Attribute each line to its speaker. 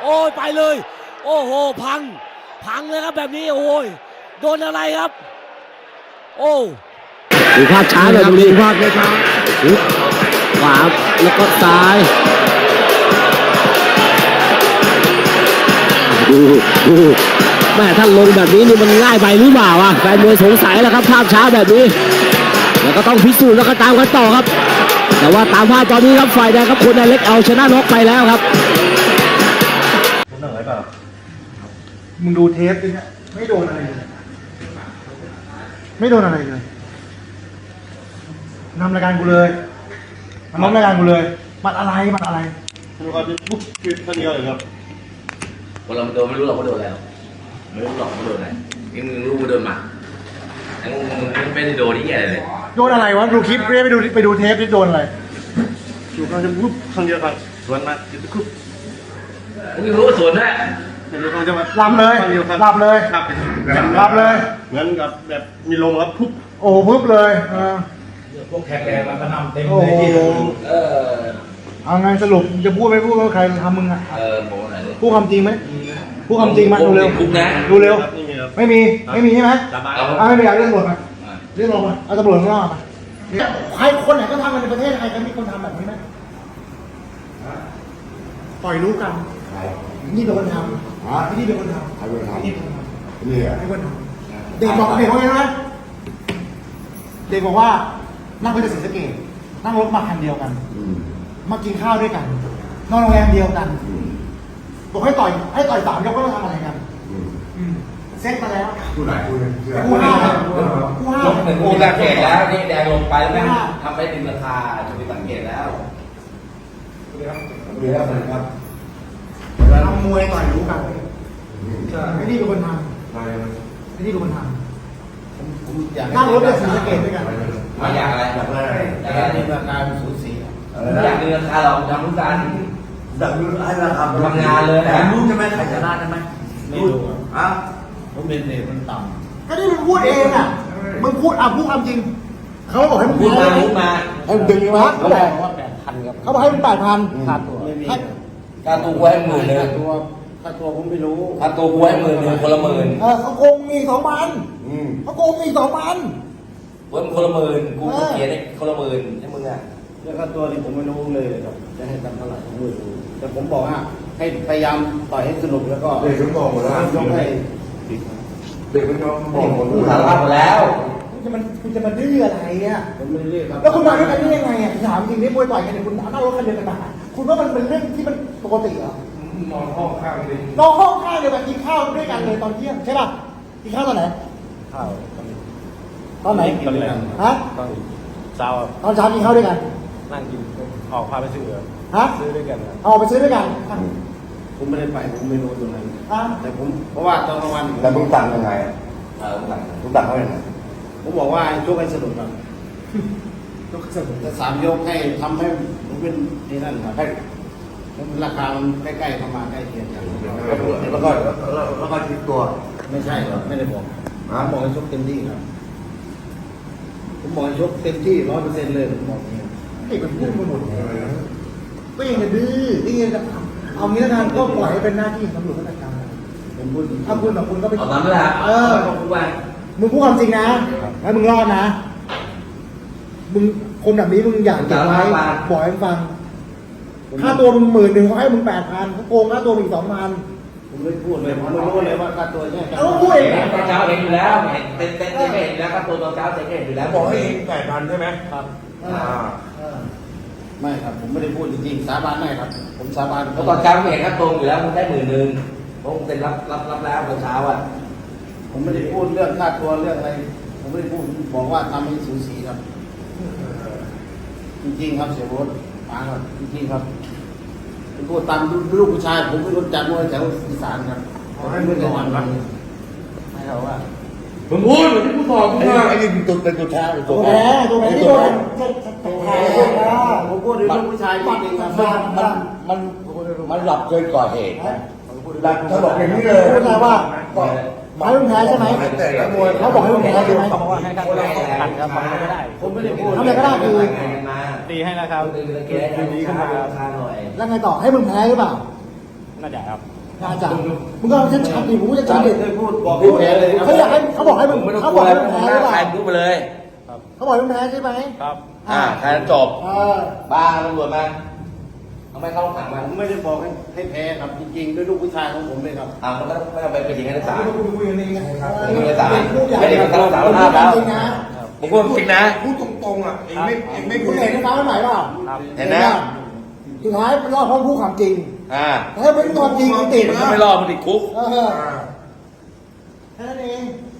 Speaker 1: โอ้ยไปเลย โอ้โหพังเลยครับแบบนี้โอ้ยโดนอะไรครับโอ้
Speaker 2: ดูภาพช้าหน่อยดูภาพช้าขวาแล้วก็ซ้ายดูแม่ถ้าลงแบบนี้นี่มันง่ายไปหรือเปล่าอ่ะแฟนมวยสงสัยแล้วครับภาพช้าแบบนี้แล้วก็ต้องพิสูจน์แล้วก็ตามกันต่อครับแต่ว่าตามภาพตอนนี้ครับฝ่ายแดงครับคนเล็กเอาชนะน็อกไปแล้วครับ
Speaker 3: ผมหน่อยเปล่ามึงดูเทปดิเนี่ยไม่โดนอะไรเลยไม่โดนอะไรเลยนำรายการกูเลยนำรายการกูเลยมันอะไรดูครับปุ๊บคือท่านนี้เลยครับ
Speaker 4: คนเราโดนไม่รู้หรอกว่าโดนอะไรไม่รู้หรอกว่าโดนอะไรนี่มึงรู้ว่าโดนหมาไอ้มึงไม่ได้โดนที่แย่เลย
Speaker 3: โดนอะไรวะดูคลิปเรียกไปดูเทปที่โดนอะไรอยู่กำลังจะปุ๊บครั้งเดียวกันสวนมาจุดปุ๊บ
Speaker 4: มึงรู้ว่าสวนด้วย
Speaker 3: เดี๋ยวกำลังจะมาลำเลยลำเลยเหมือนกับแบบมีลมครับปุ๊บโอ้ปุ๊บเลย
Speaker 5: พวกแขกแกมันก็นำเต็มเลยที่
Speaker 3: เอาไงสรุปจะพูดไม่พูดว่าใครทำมึงอ่ะพูดความจริงไหมพูดความจริงมาดูเร็วดูเร็วไม่มีใช่ไหมไม่มีอยากเรื่องตำรวจมาเรื่องลงมาเอาตำรวจข้างนอกมาใครคนไหนก็ทำกันในประเทศใครก็มีคนทำแบบนี้ไหมปล่อยรู้กันนี่เป็นคนทำนี่เป็นคนทำนี่เป็นคนทำนี่เป็นคนทำเด็กบอกว่าไงนะเด็กบอกว่านั่งไปจากศรีสะเกษนั่งรถมาคันเดียวกันมากินข้าวด้วยกันนอนโรงแรมเดียวกันบอกให้ต่อย3 ยกก็ต้องทำอะไรกันเซ็ตมาแล้ว
Speaker 5: ผู้ไหน
Speaker 3: กูห้า
Speaker 4: กูสังเกตแล้วนี่แดงลงไปแล้วทำไปถึงราคาจะไปสังเกตแล้ว
Speaker 5: ครับ
Speaker 3: ทำมวยต่อยรู้กันไอ้นี่เป็นคนทำไอ้นี่เป็นคนทำนั่งรถจากศรีสะเกษด้วยกัน
Speaker 4: ไม่อยากอะไร
Speaker 5: อยาก
Speaker 4: มีราคาสูสีอยากมีราคาเราทำรู้กัน
Speaker 5: อยากรู้ให้ราคา
Speaker 4: ทำงานเลยนะ
Speaker 5: รู้ใช่ไหมใครชนะใช่ไหม
Speaker 4: ไม่รู้
Speaker 5: อ่ะ
Speaker 4: ผมเป็นเด็กมันต่
Speaker 3: ำก็นี่มึงพูดเองอ่ะมึงพูดพูดความจริงเขาบอกให้มึง
Speaker 4: พูดมาให้
Speaker 3: มึงดึงมา
Speaker 4: เขาบอกว่า8,000ครับ
Speaker 3: เขาบอกให้มึง8,000
Speaker 4: ค่าตัวไม่มีค่าตัวกูให้10,000
Speaker 5: ค่าตัวผมไม่รู้
Speaker 4: ค่าตัวกูให้10,000คนละ10,000
Speaker 3: เขาโกงมี2,000เขาโกงมี2,000
Speaker 4: เว้ยคนละ10,000กูเขียนได้คนละ10,000ให้มึงอ่ะ
Speaker 5: เรื่องค่าตัวนี่ผมไม่รู้เลยครับจะให้ทำเท่าไหร่ผมไม่รู้แต่ผมบอกว่าให้พยายามต่อยให้สนุกแล้วก็
Speaker 6: เด็กมันบอกหมดแล้ว
Speaker 5: ยกให้
Speaker 6: เด็กมันบอกหมด
Speaker 4: สารภาพหมดแล้ว
Speaker 3: คุณจะมาดื้ออะไรอ่ะ
Speaker 5: ผมไม่เรียกครับ
Speaker 3: แล้วคุณมาด้วยกันได้ยังไงอ่ะถามจริงนี่มวยต่อยกันเนี่ยคุณนั่งรถคันเดียวกันมาคุณว่ามันเป็นเรื่องที่มันปกติเหร
Speaker 6: อนอนห้องข้างเลย
Speaker 3: นอนห้องข้างเดียวกันกินข้าวด้วยกันเลยตอนเที่ยงใช่ป่ะกินข้าวตอนไหน
Speaker 5: ข้าว
Speaker 3: ตอนไหนฮะ
Speaker 5: ตอนเช้า
Speaker 3: ตอนเช้ากินข้าวด้วยกัน
Speaker 5: นั่งกินออกพาไปซื้อซื้อด้วยกัน
Speaker 3: ไปซื้อด้วยกัน
Speaker 5: ผมไม่ได้ไปผมไม่รู้ตรงนั้นแต่ผมเพราะว่าตอนกลางวัน
Speaker 6: แล้วมึงสั่งยังไงมึงสั่งเขาอย่างไร
Speaker 5: ผมบอกว่าชกให้สนุกครับชกสนุกแต่3 ยกให้ทำให้ผมเป็นที่นั่นครับให้ราคามันใกล้ๆเข้ามาใกล้เคียงกัน
Speaker 6: แล้วก็คิดตัว
Speaker 5: ไม่ใช่ครับไม่ได้บอกผมบอกให้ชกเต็มที่ครับผมบอกให้ชกเต็มที่100%เลยผมบอกอย่างนี้
Speaker 3: ไอ้มันพูดมาหมดก็ยังจะดื้อยังจะเอางี้แล้วกันก็ปล่อยให้เป็นหน้าที่ของตำรวจจัดการ
Speaker 5: ผมพูด
Speaker 3: ถ้าคุณแบบคุณก็ไป
Speaker 4: เอาตามนั้นแหละ
Speaker 3: มึงพูดความจริงนะแล้วมึงรอดนะมึงคนแบบนี้มึงอยากเก็บไว้บอกให้ฟังค่าตัวมึง10,000เขาให้มึง8,000เขาโกงค่าตัวอีก2,000
Speaker 5: ผมไม่พูดเลยผมไม่รู้เลยว่าค่าตัวเนี่ย
Speaker 3: เขาพูดเอง
Speaker 4: ตอนเช้าเห็นอยู่แล้วเต้นไม่เห็นแล้วค่าตัวตอนเช้าเห็นอยู่แล้ว
Speaker 6: บอกให้8,000ใช่ไหม
Speaker 5: ครับไม่ครับผมไม่ได้พูดจริงๆสาบานไม่ครับผมสาบาน
Speaker 4: เพราะตอนเช้าเห็นค่าตัวอยู่แล้วมึงได้10,000เพราะมึงเป็นรับแล้วตอนเช้าอ่ะ
Speaker 5: ผมไม่ได้พูดเรื่องค่าตัวเรื่องอะไรผมไม่ได้พูดบอกว่าทำให้สูสีครับจริงๆครับเสียโบ๊ทฟังครับจริงๆครับผมพูดตามลูกผู้ชายผมไม่รู้จักมวยแถวอีสานครับ
Speaker 6: ให้มึงก่อนนะ
Speaker 5: ให้เขาว่า
Speaker 6: มึงพูดที่กูบอกมึงว่าไอ้นี่ตัวเป็นตัวแท้
Speaker 3: ตัวแท้ที่โดน
Speaker 5: ผมพูดถึงลูกผู้ชายจริงๆครับ
Speaker 4: มันหลับเกินก่อเหตุ
Speaker 6: หลักเขาบอกอย่างนี้เลย
Speaker 3: พูดอะไรว่าให้มึงแพ้ใช่ไหมเขาบอกให้มึงแพ้ใช่ไหม
Speaker 5: เขาบอกว่าให้กันกันครับทำอะไรก็ได้ผมไม่ได้พูด
Speaker 3: ทำอะไรก็ได้คือ
Speaker 5: ตีให้นะครับ
Speaker 4: ดีขึ้นมาราคาหน่อย
Speaker 3: แล้วไงต่อให้มึงแพ้หรือเปล่าน่าจะมึงก็ชัดชัดดิผมก็จะชัดดิ
Speaker 5: เคยพูดบอกให้แพ้เลยครับ
Speaker 3: เขาอยากให้เขาบอกให้มึง
Speaker 4: ไม่ต้อง
Speaker 3: เขา
Speaker 4: ก
Speaker 3: บ
Speaker 4: ลั
Speaker 3: อ
Speaker 4: ว
Speaker 3: กให้
Speaker 4: แล้ว
Speaker 3: มึง
Speaker 4: ห
Speaker 3: แพ้
Speaker 4: น้า
Speaker 3: หรือเป
Speaker 4: ใคร
Speaker 3: ล่า
Speaker 4: พูดไปเลย
Speaker 3: เขาบอกให้มึงแพ้ใช่ไหม
Speaker 4: แค่นั้นจบ บ้าตำรวจมาทำไมเข้าขังมัน
Speaker 5: ผมไม่ได้บอกให้แพ้ครับจริงๆด้วยลูกผู้ชายของผมเลยครับ
Speaker 4: มันก็ไม่ต้องไปเป็นอย่างนั้นในศาล
Speaker 3: พูดอย่างนี้ครับ
Speaker 4: ไม่ได้ตายไม่ได้รับสารภาพแล้วผมพูดจริงนะ
Speaker 6: พูดตรงๆอ่ะเองไม่
Speaker 3: คุณเห็นในฟ้าไม่ไหวเปล่า
Speaker 4: เห็นนะ
Speaker 3: สุดท้ายมันรอดเพราะพูดความจริง
Speaker 4: อ่า
Speaker 3: แต่ถ้าไม่พูดความจริงมันติด
Speaker 4: มันก็ไม่รอดมันติดคุก
Speaker 3: แค่นั้นเอง